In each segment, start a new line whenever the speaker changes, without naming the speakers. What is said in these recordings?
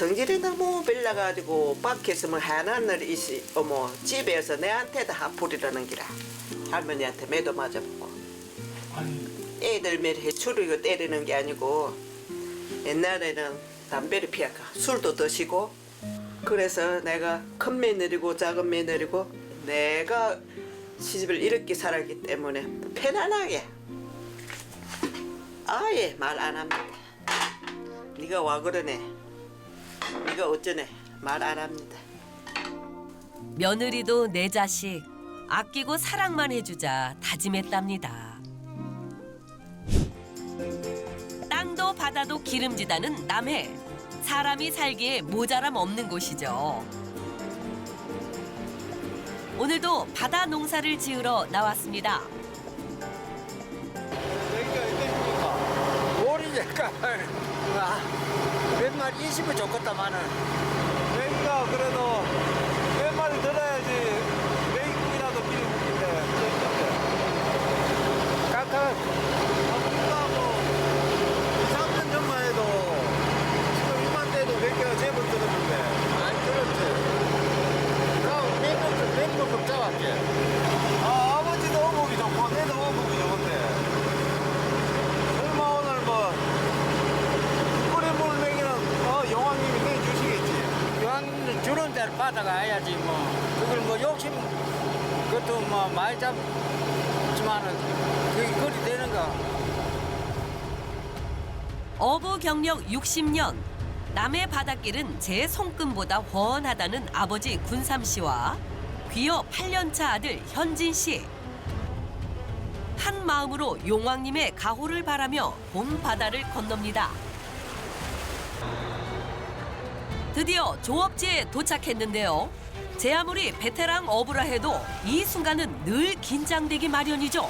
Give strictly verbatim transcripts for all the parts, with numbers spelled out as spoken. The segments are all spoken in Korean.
성질이 너무 빌려가지고 밖에서 뭐 하나는 있이 어머 집에서 내한테도 화풀이라는 기라. 할머니한테 매도 맞아보고. 애들 매일 해추리고 때리는 게 아니고 옛날에는 담배를 피하고 술도 드시고 그래서 내가 큰 며느리고 작은 며느리고 내가 시집을 이렇게 살았기 때문에 편안하게 아예 말 안 합니다. 네가 와 그러네. 네가 어쩌네. 말 안 합니다.
며느리도 내 자식 아끼고 사랑만 해주자 다짐했답니다. 땅도 바다도 기름지다는 남해. 사람이 살기에 모자람 없는 곳이죠. 오늘도 바다 농사를 지으러 나왔습니다.
오리니까 몇 마리 이십은 좋겠다마는
여기가 그래도 몇 마리 들어야지 메이국이라도 미리 먹는데
깎아
우리가 뭐 이, 삼 년 전만 해도 지금 이맘때도 몇 개가 제법 들었는데
안 들었지. 그럼 몇번 몇번 잡았지.
아 아버지도 어묵이 좋고 내도 어묵이 좋은데 설마 오늘 뭐 끓인 물 먹이는 어, 용왕님이 내주시겠지.
이왕 주는 데를 받아가야지 뭐. 그걸 뭐 욕심 그것도 뭐 많이 잡지만은 그게 그리 되는가.
어부 경력 육십 년. 남해 바닷길은 제 손금보다 훤하다는 아버지 군삼 씨와 귀여 팔 년 차 아들 현진 씨. 한 마음으로 용왕님의 가호를 바라며 봄 바다를 건넙니다. 드디어 조업지에 도착했는데요. 제 아무리 베테랑 어부라 해도 이 순간은 늘 긴장되기 마련이죠.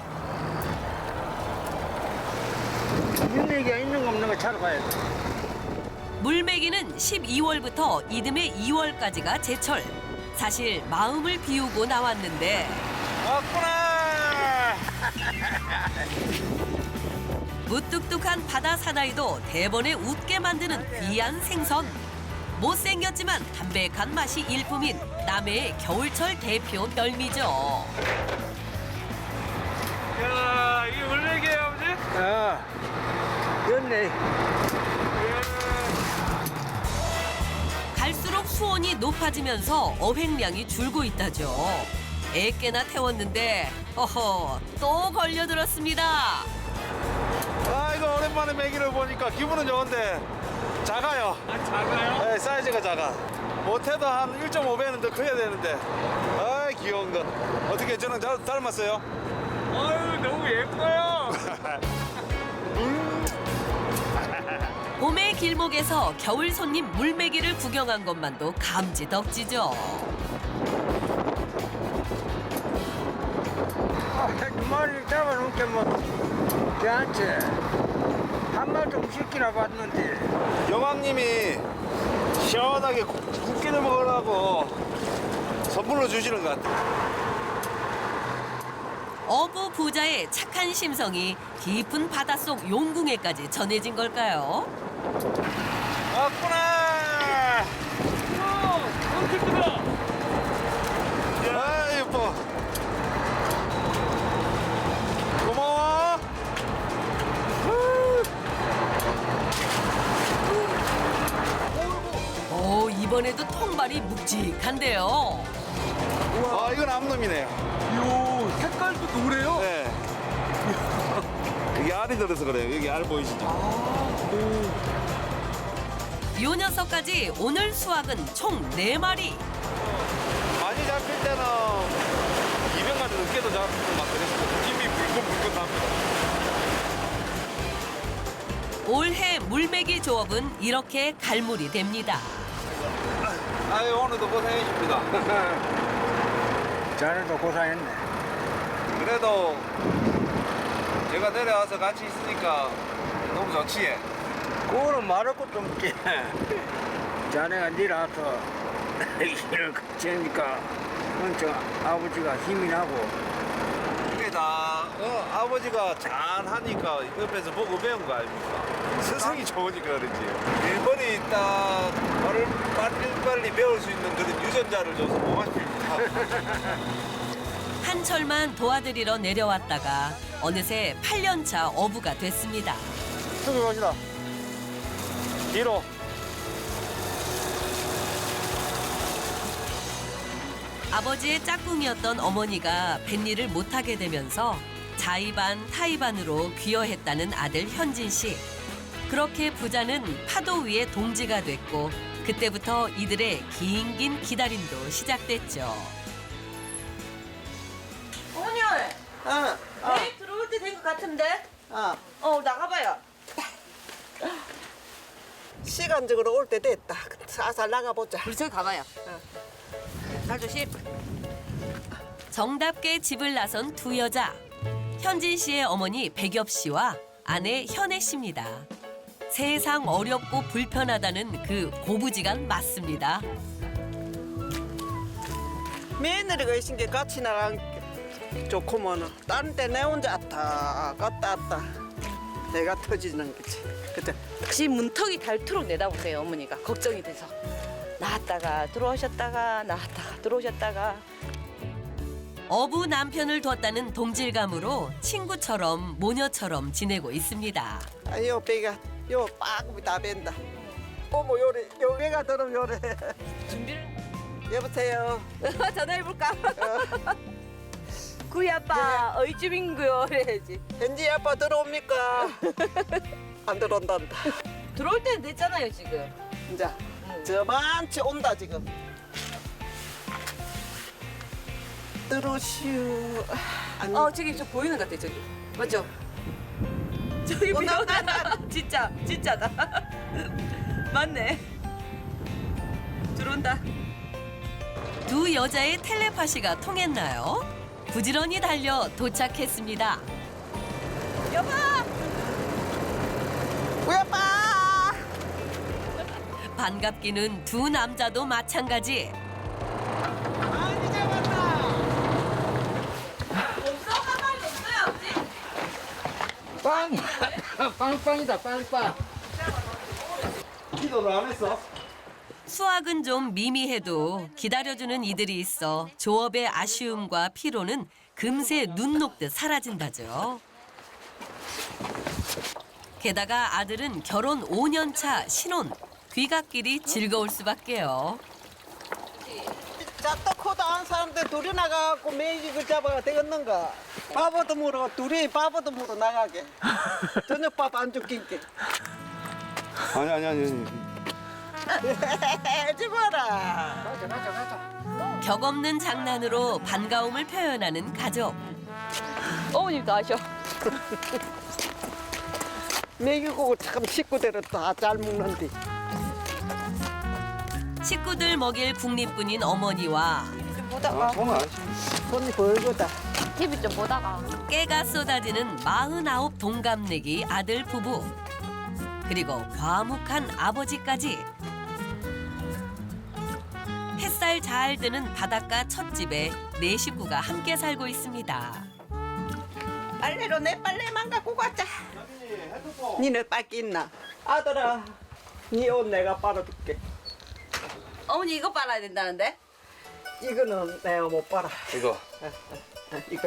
물내기가 있는 거 없는 거 차로 가야 돼.
물매기는 십이월부터 이듬해 이월까지가 제철. 사실 마음을 비우고 나왔는데
왔구나.
무뚝뚝한 바다 사나이도 대번에 웃게 만드는 귀한 생선. 못생겼지만 담백한 맛이 일품인 남해의 겨울철 대표 별미죠.
야 이게 물레기예요 아버지?
어. 됐네.
갈수록 수온이 높아지면서 어획량이 줄고 있다죠. 애깨나 태웠는데 어허 또 걸려들었습니다.
아 이거 오랜만에 메기를 보니까 기분은 좋은데 작아요.
아, 작아요?
네, 사이즈가 작아. 못해도 한 일 점 오 배는 더 커야 되는데. 아 귀여운 거. 어떻게 저는 잘 닮았어요?
아유, 너무 예뻐요.
봄의 길목에서 겨울 손님 물매기를 구경한 것만도 감지덕지죠.
아, 두 마리 잡아놓게 뭐 괜찮지. 한 마리 좀 시키나 봤는데.
여왕님이 시원하게 국- 국기를 먹으라고 선물로 주시는 것 같아요.
어부 부자의 착한 심성이 깊은 바닷속 용궁에까지 전해진 걸까요?
왔구나.
엄청 크다.
아 예뻐. 고마워.
오 이번에도 통발이 묵직한데요.
아 이건 암놈이네요.
요 색깔도 노래요?
네. 여기 알이 들어서 그래요. 여기 알 보이시죠?
요 녀석까지 오늘 수확은 총 네 마리.
많이 잡힐 때는 이백 마리 넘게도 잡히고 막 그랬어요. 힘이 불끈불끈 납니다.
올해 물매기 조업은 이렇게 갈물이 됩니다.
아유 오늘도 고생하십니다.
자네도 고생했네.
그래도 제가 내려와서 같이 있으니까 너무 좋지.
그거는 말할 것도 없지. 자네가 니라서 일을 같이 하니까 엄청 아버지가 힘이 나고.
이게 다 어, 아버지가 잘 하니까 옆에서 보고 배운 거 아닙니까? 스승이 좋으니까 그렇지. 일본이 딱 빠른 빨리빨리 배울 수 있는 그런 유전자를 줘서 고맙습니다.
한철만 도와드리러 내려왔다가 어느새 팔 년차 어부가 됐습니다.
저기 갑시다. 뒤로.
아버지의 짝꿍이었던 어머니가 뱃일을 못하게 되면서 자의반 타의반으로 귀여했다는 아들 현진 씨. 그렇게 부자는 파도 위에 동지가 됐고 그때부터 이들의 긴 긴 기다림도 시작됐죠.
어머니,
어, 어,
내일 들어올 때 된 것 같은데?
어.
어, 나가봐요.
시간적으로 올 때 됐다. 살살 나가보자.
우리 저기 가봐요. 잘 조심.
정답게 집을 나선 두 여자. 현진 씨의 어머니 백엽 씨와 아내 현애 씨입니다. 세상 어렵고 불편하다는 그 고부지간 맞습니다.
며느리가 있은 게 같이 나간 게 좋구먼. 다른 때 내 혼자 왔다 갔다 왔다. 내가 터지는 거지. 그죠?
혹시 문턱이 닳도록 내다보세요, 어머니가. 걱정이 돼서. 나왔다가 들어오셨다가 나왔다가 들어오셨다가.
어부 남편을 뒀다는 동질감으로 친구처럼 모녀처럼 지내고 있습니다.
아, 요 배가 요 빠금이 다 벤다. 어머 요래 요래가 들으면 요래.
준비를
여보세요.
전화해볼까? 구이 아빠 어이쯤인구요 그래야지.
현지 아빠 들어옵니까? 안 들어온단다.
들어올 때는 됐잖아요, 지금.
이제 저만치 온다 지금. 들어오시오. 아니,
어, 저기 저 보이는 것 같아, 저기. 맞죠? 저기
온다,
비오다. 진짜, 진짜다. 맞네. 들어온다.
두 여자의 텔레파시가 통했나요? 부지런히 달려 도착했습니다.
여보!
우리 아빠.
반갑기는 두 남자도 마찬가지.
많이 잡았다.
없어, 한 마리 없어요, 아버지?
빵! 빵빵이다, 빵빵.
기도를 안 했어?
수학은 좀 미미해도 기다려주는 이들이 있어 조업의 아쉬움과 피로는 금세 눈 녹듯 사라진다죠. 게다가 아들은 결혼 오 년 차 신혼. 귀갓길이 즐거울 수밖에요.
작도 코도 안 사람들 둘이 나가고 매직을 잡아야 되겠는가? 바보도 물어 둘이 바보도 물어 나가게. 저녁밥 안 죽긴게.
아니 아니 아니.
해지 마라.
격 없는 장난으로 반가움을 표현하는 가족.
어머님도 아셔.
먹이고 참 식구들은 다 잘 먹는데.
식구들 먹일 국립군인 어머니와
아, 손은 안 씻.
손이 벌거다.
티비 좀 보다가.
깨가 쏟아지는 마흔아홉 동갑내기 아들 부부. 그리고 과묵한 아버지까지. 햇살 잘 드는 바닷가 찻집에 네 식구가 함께 살고 있습니다.
빨래로 내 빨래만 갖고 가자. 니네 빨기 있나? 아들아, 니 옷 내가 빨아줄게.
어머니 이거 빨아야 된다는데?
이거는 내가 못 빨아.
이거.
이거.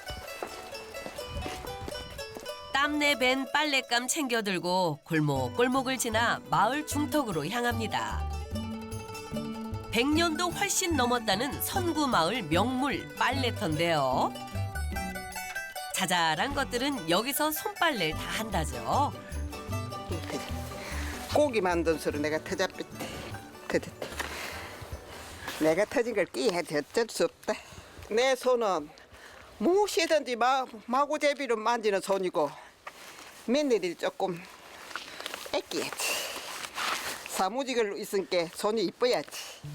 땀내 밴 빨랫감 챙겨들고 골목골목을 지나 마을 중턱으로 향합니다. 백 년도 훨씬 넘었다는 선구마을 명물 빨래터인데요. 자잘한 것들은 여기서 손빨래를 다 한다죠.
고기 만든 소리 내가 터잡혔대. 터졌대. 내가 터진 걸 끼해도 어쩔 수 없다. 내 손은 무엇이든지 마, 마구제비로 만지는 손이고 며느리 조금 뺏기야지. 사무직을 있으니까 손이 이뻐야지.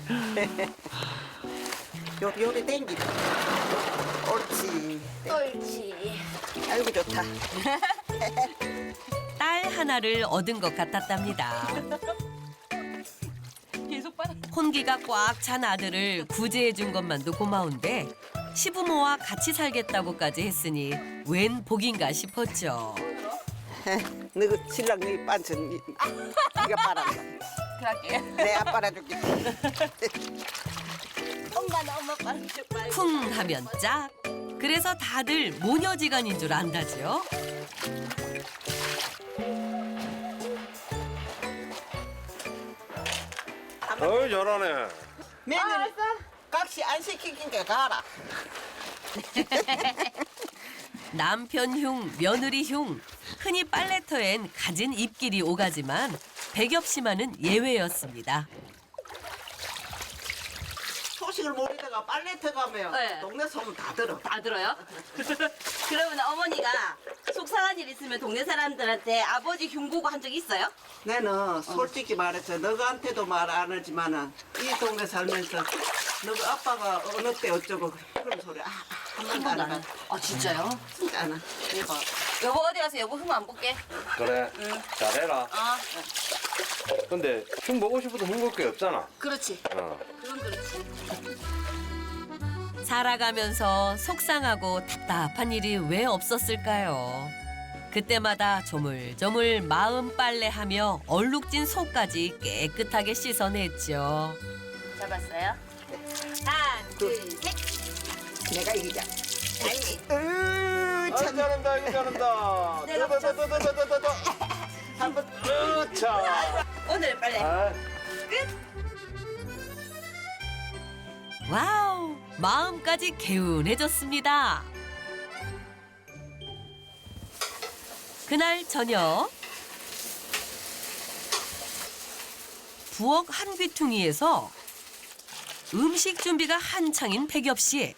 요리 요리 땡기다. 옳지.
옳지.
아이고 좋다.
딸 하나를 얻은 것 같았답니다.
계속 빨아.
혼기가 꽉 찬 아들을 구제해 준 것만도 고마운데 시부모와 같이 살겠다고까지 했으니 웬 복인가 싶었죠.
너 신랑 네 반찬 니- 니가 빨았다.
이렇게 할게.
내가 빨아줄게.
엄마는 엄마 빨아줘 빨리.
쿵 하면 짝. 그래서 다들 모녀지간인 줄 안다지요.
어이 잘하네.
며느리 각시 안 시키니까 가라.
남편 흉, 며느리 흉. 흔히 빨래터엔 가진 입길이 오가지만 백엽 씨만은 예외였습니다.
소식을 모르다가 빨래터 가면
네.
동네 소문 다 들어.
다 들어요? 그러면 어머니가 속상한 일 있으면 동네 사람들한테 아버지 흉보고 한 적 있어요?
나는 솔직히 말해서 너한테도 말 안 하지만은 이 동네 살면서 너가 아빠가 어느 때 어쩌고 그런 소리 아, 한 번도 안 해.
아 진짜요?
진짜 안 해.
대박. 여보 어디 가서 여보 흠 안 볼게.
그래. 잘해라.
아
근데 흉 보고 싶어도 흉볼 게 없잖아.
그렇지.
어.
그건 그렇지.
살아가면서 속상하고 답답한 일이 왜 없었을까요? 그때마다 조물조물 마음 빨래하며 얼룩진 속까지 깨끗하게 씻어냈죠.
잡았어요? 하나 둘 셋.
내가 이기자. 아니, 으,
아,
참.
잘한다, 이거 잘한다.
내가
더더더더더더더.
한번
으차.
오늘 빨래.
아,
와우, 마음까지 개운해졌습니다. 그날 저녁 부엌 한 귀퉁이에서 음식 준비가 한창인 백엽 씨.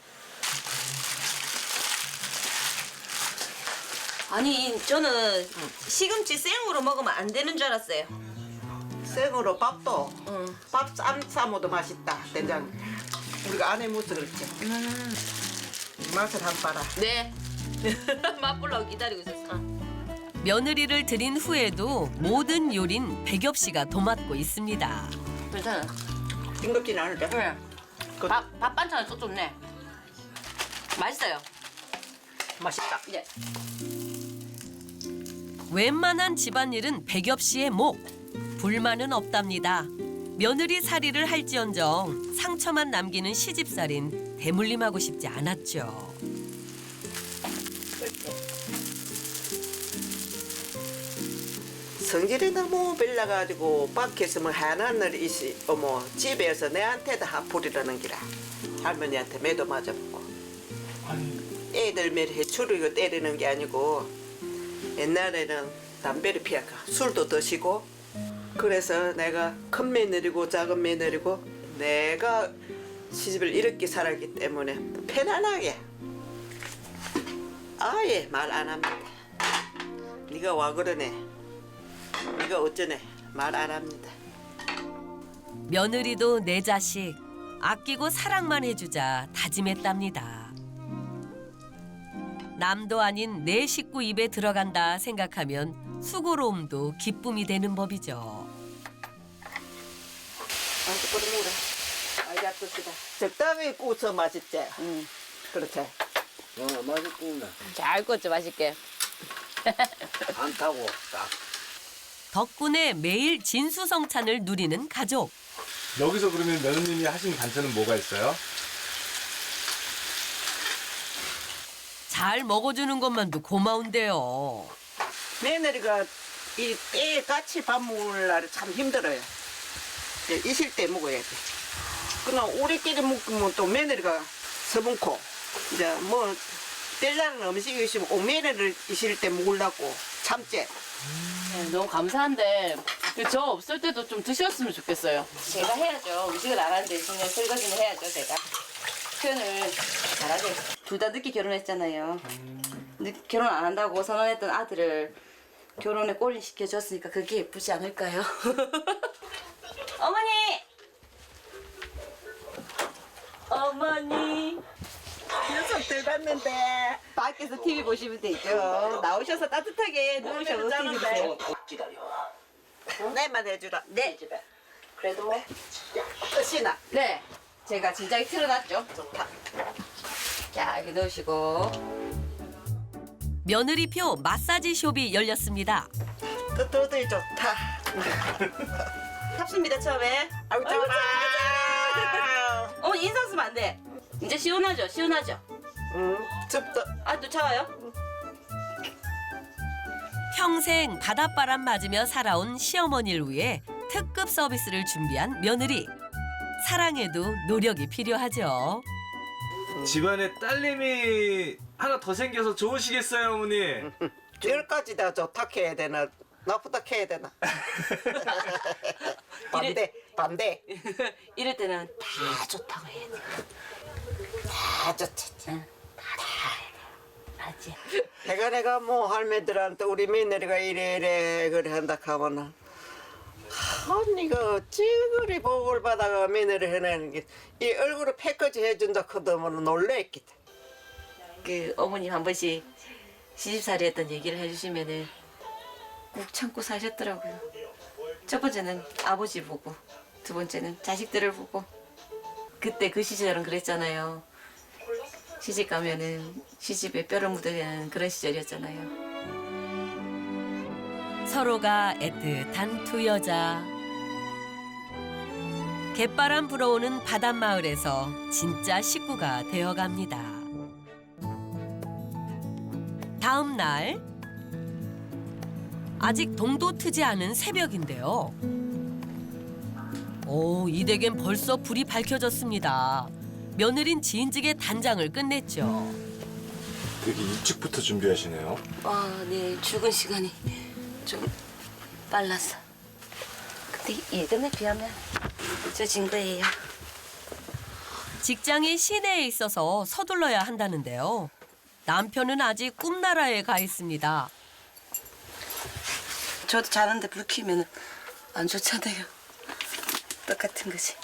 아니 저는 시금치 생으로 먹으면 안 되는 줄 알았어요.
생으로 밥도
응.
밥 쌈 싸먹어도 맛있다. 된장. 우리가 안 해먹어서 그렇지. 맛을 한 봐라.
네. 맛보려고 기다리고 있었어.
며느리를 들인 후에도 모든 요린 백엽 씨가 도맡고 있습니다.
괜찮아.
싱겁진 않을까?
네.
그-
밥, 밥 반찬은 또 좋네. 맛있어요.
맛있다.
네.
웬만한 집안일은 백엽 씨의 목. 불만은 없답니다. 며느리 살이를 할지언정 상처만 남기는 시집살인 대물림하고 싶지 않았죠.
성질이 너무 빌려가지고 밖에서 뭐 하나늘 있이 어머 집에서 내한테다 하풀이라는 기라. 할머니한테 매도 맞아보고. 애들 매일 해추리고 때리는 게 아니고 옛날에는 담배를 피하고 술도 드시고 그래서 내가 큰 며느리고 작은 며느리고 내가 시집을 이렇게 살았기 때문에 편안하게 아예 말 안 합니다. 네가 와 그러네. 네가 어쩌네. 말 안 합니다.
며느리도 내 자식 아끼고 사랑만 해주자 다짐했답니다. 남도 아닌 내 식구 입에 들어간다 생각하면 수고로움도 기쁨이 되는 법이죠.
아이고 끓여먹으라. 아이고 아프시다. 적당히 구워서 맛있지?
응.
그렇지.
어, 맛있구나.
잘 구웠죠, 맛있게.
안 타고 딱.
덕분에 매일 진수성찬을 누리는 가족.
여기서 그러면 며느님이 하신 반찬은 뭐가 있어요?
잘 먹어주는 것만도 고마운데요.
며느리가 이 때 같이 밥 먹을 날이 참 힘들어요. 이제 있을 때 먹어야 돼. 그냥 우리끼리 먹으면 또 며느리가 서분코 이제 뭐 뗄라는 음식이 있으면 꼭 며느리를 있을 때 먹으려고 참지.
네, 너무 감사한데 저 없을 때도 좀 드셨으면 좋겠어요. 제가 해야죠. 음식을 안 하는데 그냥 설거지는 해야죠, 제가. 표현을 잘하죠. 둘 다 늦게 결혼했잖아요. 늦, 결혼 안 한다고 선언했던 아들을 결혼에 꼬리시켜줬으니까 그게 예쁘지 않을까요? 어머니! 어머니!
녀석들 봤는데
밖에서 티비 보시면 되죠. 나오셔서 따뜻하게 누우셔서 티비 보세요.
내만 해주라.
네. 그래도
끝이나.
네. 제가 진작에 틀어놨죠.
좋다.
자, 여기 넣으시고.
며느리표 마사지 숍이 열렸습니다.
뜨뜻이 좋다.
탑습니다 처음에.
아이고 좋아.
어머니 인상 쓰면 안 돼. 이제 시원하죠? 시원하죠?
응, 춥다.
아 또 차와요?
평생 바닷바람 맞으며 살아온 시어머니를 위해 특급 서비스를 준비한 며느리. 사랑에도 노력이 필요하죠.
집안에 딸내미 하나 더 생겨서 좋으시겠어요, 어머니?
열까지 다 좋다 해야 되나 나쁘다 해야 되나? 반대 반대.
이럴 때는 다 좋다고 해야 돼.
다 좋지.
응. 맞지?
내가 내가 뭐 할매들한테 우리 며느리가 이래 이래 그래 한다 하면은 언니가 어찌 그리 복을 받아가 며느리 해내는 게 이 얼굴을 패까지 해준다 하더면 놀래겠다.
그 어머님 한 번씩 시집살이 했던 얘기를 해주시면은 꾹 참고 사셨더라고요. 첫 번째는 아버지 보고, 두 번째는 자식들을 보고. 그때 그 시절은 그랬잖아요. 시집 가면은 시집에 뼈를 묻어야 그런 시절이었잖아요.
서로가 애틋한 두 여자. 갯바람 불어오는 바닷마을에서 진짜 식구가 되어갑니다. 다음 날 아직 동도 트지 않은 새벽인데요. 오, 이 댁엔 벌써 불이 밝혀졌습니다. 며느린 지인직의 단장을 끝냈죠.
되게 일찍부터 준비하시네요.
아, 네. 출근 시간이 좀 빨라서. 근데 예전에 비하면 늦어진 거예요.
직장이 시내에 있어서 서둘러야 한다는데요. 남편은 아직 꿈나라에 가 있습니다.
저도 자는데 불 켜면 안 좋잖아요. 똑같은 거지.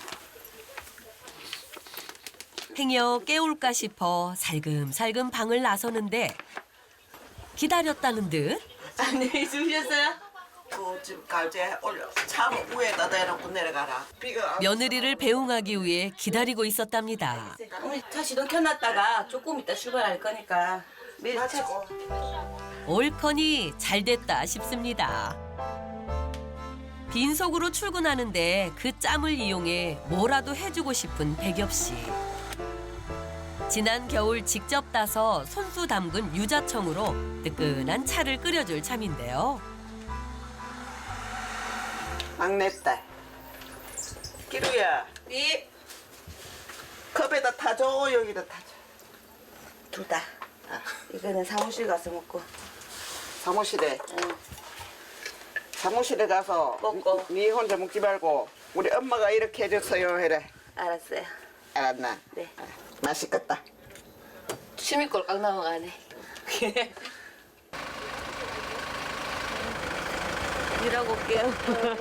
행여 깨울까 싶어 살금살금 방을 나서는데 기다렸다는 듯
안녕히 주무셨어요?
그집 갈제 올려 차 위에다 대놓고 내려가라. 비가 안
며느리를 배웅하기 위해 기다리고 있었답니다.
어머니 차 시동 켜놨다가 조금 이따 출발할 거니까 매일 차
마치고.
옳거니 잘됐다 싶습니다. 빈속으로 출근하는데 그 짬을 이용해 뭐라도 해주고 싶은 백엽 씨. 지난 겨울 직접 따서 손수 담근 유자청으로 뜨끈한 차를 끓여줄 참인데요.
막내딸 기루야
네.
컵에다 타줘 여기다 타줘.
둘 다. 이거는 사무실 가서 먹고.
사무실에
응.
사무실에 가서
먹고.
네 혼자 먹지 말고 우리 엄마가 이렇게 해줬어요 해래.
알았어요.
알았나?
네.
아, 맛있겠다.
취미 꼴깍 넘어가네. 일하고 올게요.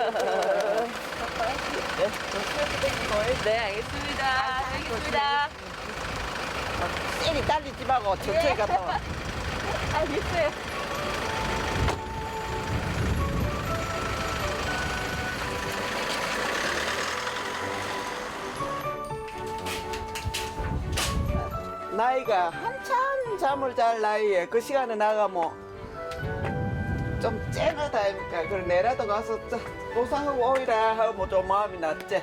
네, 알겠습니다. 알겠습니다.
쎄리 딸리지 말고 천천히 갔다 와.
알겠어요.
나이가 한참 잠을 잘 나이에 그 시간에 나가면 좀 쨍하다 아닙니까? 그래 내라도 가서 보상하고 오이라 하면 좀 마음이 낫지.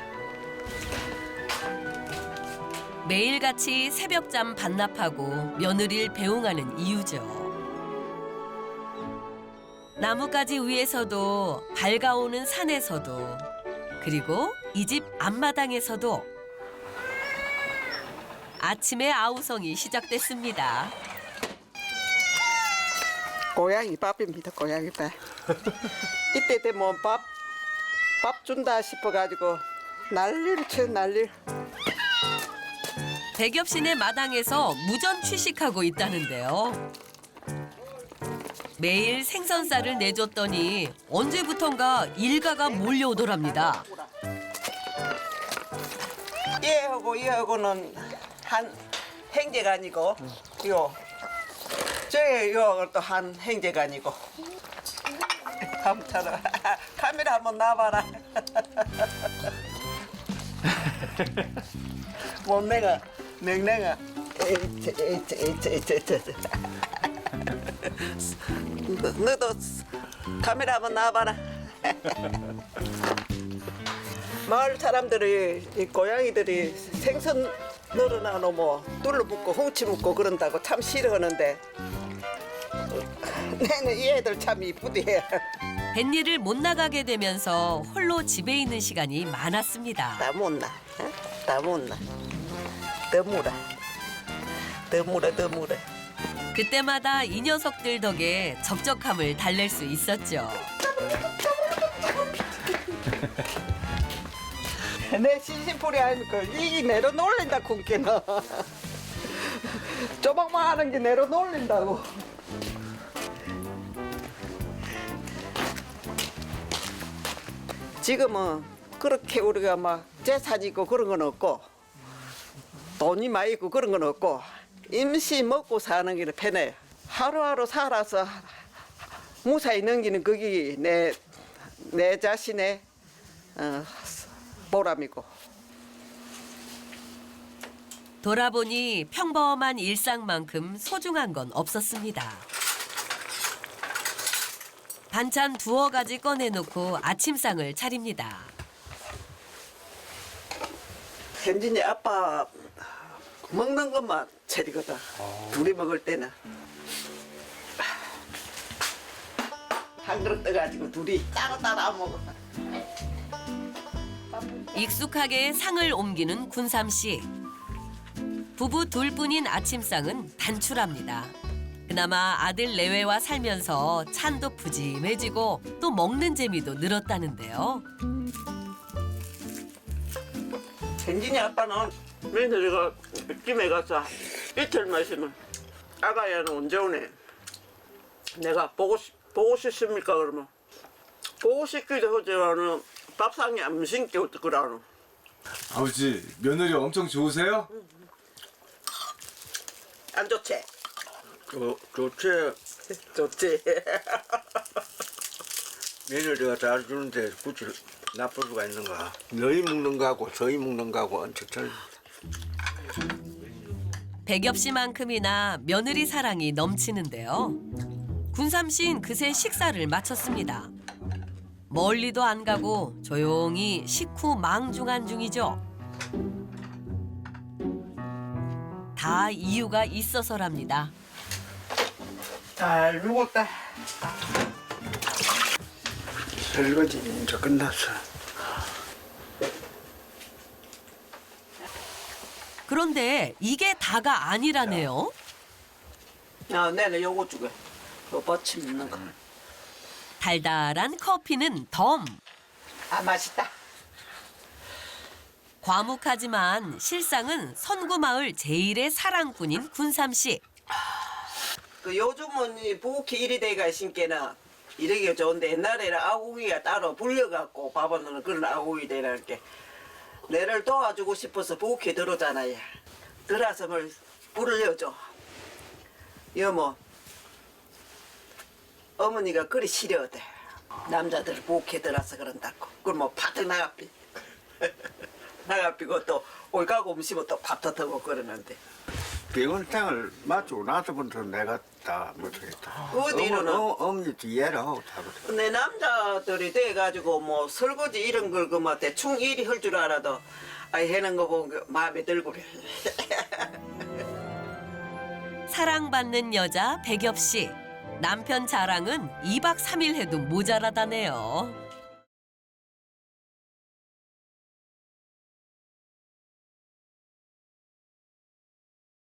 매일같이 새벽잠 반납하고 며느리를 배웅하는 이유죠. 나뭇가지 위에서도 밝아오는 산에서도 그리고 이 집 앞마당에서도 아침의 아우성이 시작됐습니다.
고양이 밥입니다. 고양이 밥. 이때 되면 밥, 밥 준다 싶어가지고 난리를 쳐 난리를.
백엽 씨네 마당에서 무전 취식하고 있다는데요. 매일 생선살을 내줬더니 언제부턴가 일가가 몰려오더랍니다.
얘하고 얘하고는 한 행제간이고 이거 저기 이거 또 한 행제간이고. 감차라. 카메라 한번 놔봐라. 몸매가 맹맹아. 에이치 에이치 에이치 에이치 에이치. 너- 너도 카메라 한번 놔봐라. 마을 사람들이 이 고양이들이 생선 늘어나노 뭐 뚫러 묶고 홍치 묶고 그런다고 참 싫어하는데 내는 이 애들 참 이쁘대.
뱃일을 못 나가게 되면서 홀로 집에 있는 시간이 많았습니다.
다 못나, 어? 다 못나. 더 물어, 더 물어, 더 물어.
그때마다 이 녀석들 덕에 적적함을 달랠 수 있었죠.
내 신신풀이 아니까 이게 내려 놀린다 쿵깨는. 조막만 하는 게 내려 놀린다고. 지금은 그렇게 우리가 막 재산 있고 그런 건 없고 돈이 많이 있고 그런 건 없고 임시 먹고 사는 게 편해요. 하루하루 살아서 무사히 넘기는 그게 내, 내 자신의 어, 보람이고.
돌아보니 평범한 일상만큼 소중한 건 없었습니다. 반찬 두어 가지 꺼내놓고 아침상을 차립니다.
현진이 아빠 먹는 것만 차리거든. 둘이 먹을 때는 한 그릇 떠가지고 둘이 따로따로 안 먹어.
익숙하게 상을 옮기는 군삼 씨. 부부 둘뿐인 아침상은 단출합니다. 그나마 아들 내외와 살면서 찬도 푸짐해지고 또 먹는 재미도 늘었다는데요.
현진이 아빠는 며느리가 김에 가서 이틀만 있으면 아가야는 언제 오네. 내가 보고 싶, 보고 싶습니까 그러면 보고 싶기도 하지만은 밥상에 안 신기고 그러노.
아버지 며느리 엄청 좋으세요?
안 좋지?
어, 좋지.
좋지.
며느리가 잘 주는데 굳이 나쁠 수가 있는가. 너희 먹는 거하고 저희 먹는 거하고 엄청 틀려.
백엽 씨만큼이나 며느리 사랑이 넘치는데요. 군삼 씨는 그새 식사를 마쳤습니다. 멀리도 안 가고 조용히 식후 망중한 중이죠. 다 이유가 있어서랍니다.
잘 먹었다.
설거지 이제 끝났어.
그런데 이게 다가 아니라네요.
아, 내는 요거 주게. 요 버침 있는 거.
달달한 커피는 덤.
아, 맛있다.
과묵하지만 실상은 선구마을 제일의 사랑꾼인 군삼 씨.
그 요즘은 이 부엌이 이리 돼가 신께나 이러기가 좋은데 옛날에는 아궁이가 따로 불려갖고 밥은 그런 아궁이 되라는 게 내를 도와주고 싶어서 부엌에 들어오잖아요. 들어서 뭘 불려줘. 여모 어머니가 그리 싫어하대. 남자들 부엌에 들어서 그런다고. 그럼 뭐 파득 나가삐. 나가삐고 또 올가고 음식은 또 밥도 더고 그러는데.
비건탕을 맞추고 나서부터 내가 다 못하겠다.
어디로는?
어머니 뒤에라 하고 타거든.
근데 남자들이 돼가지고 뭐 설거지 이런 걸 그 뭐 대충 일이 할 줄 알아도 아 해는 거 보고 마음에 들고 그래.
사랑받는 여자 백엽 씨. 남편 자랑은 이 박 삼 일 해도 모자라다네요.